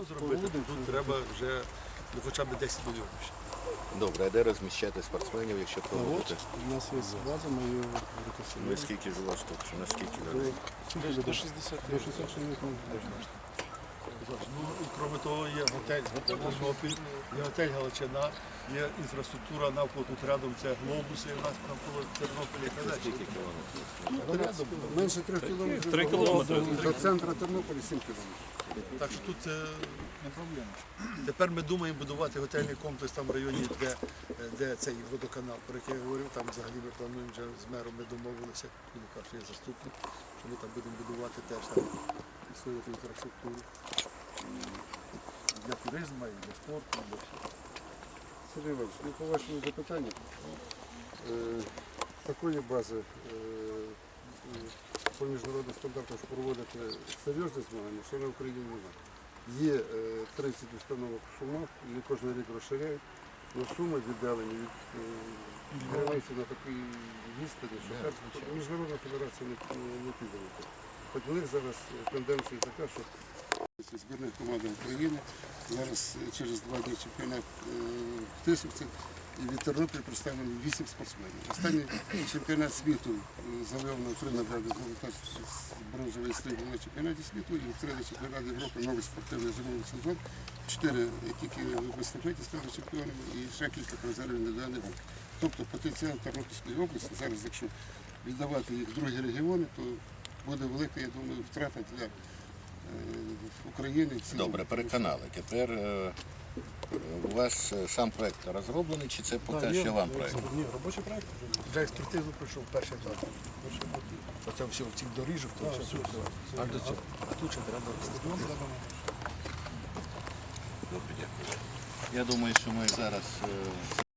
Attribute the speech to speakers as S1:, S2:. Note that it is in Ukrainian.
S1: стадіон зробити, то тут треба вже хоча б 10 мільйонів ще.
S2: Добре, а де розміщати спортсменів, якщо проводити?
S3: У нас є база, ми її
S2: Ви
S3: реконструюємо.
S2: скільки ж у вас тут? Чи наскільки людей?
S3: До 60 чоловік ми можемо.
S1: Ну, і крім того, є готель Тернопіль, є готель Галичина, є інфраструктура навколо тут рядом, це глобуси у нас навколо Тернополя.
S2: Скільки кілометрів?
S3: Менше 3 кілометрів.
S4: 3 кілометри.
S3: До центру Тернополя 7 кілометрів.
S1: Так що тут це не проблема. Тепер ми думаємо будувати готельний комплекс там в районі, де цей водоканал, про який я говорив, там взагалі ми плануємо вже з мером, ми домовилися, він каже, що є заступник, що ми там будемо будувати теж там свою інфраструктуру для туризму, і для спорту, і для всього.
S3: Сергій Іванович, ну по вашому запитанню, такої бази по міжнародним стандартам, що проводити серйозні змагання, що на Україні немає. Є 30 установок в Шумах, вони кожен рік розширяють, але суми віддалені від границі на такій відстані, що міжнародна федерація не піде. Хоч у них зараз тенденція така, що збірна команда України зараз через 2 дні чемпіонат в Тисовці, і від Тернополя представлено 8 спортсменів. Останній чемпіонат світу завів на 3 награди бронзовий срібло на чемпіонаті світу, і в третій чемпіонат Європи новий спортивний зимовий сезон. 4 тільки в естафеті стали чемпіонами і ще кілька призерів індивідуальних груп. Тобто потенціал Тернопільської області, зараз якщо віддавати їх в другі регіони, то буде велика, я думаю, втрата для України.
S2: Добре, переконали. Тепер у вас сам проєкт розроблений, чи це поки що вам проєкт?
S3: Ні, робочий проєкт.
S1: Вже експертизу пройшов перший етап. Оце все в цих доріжок, то все. А до цього. А тут ще треба стадіон.
S2: Добре, дякую. Я думаю, що ми зараз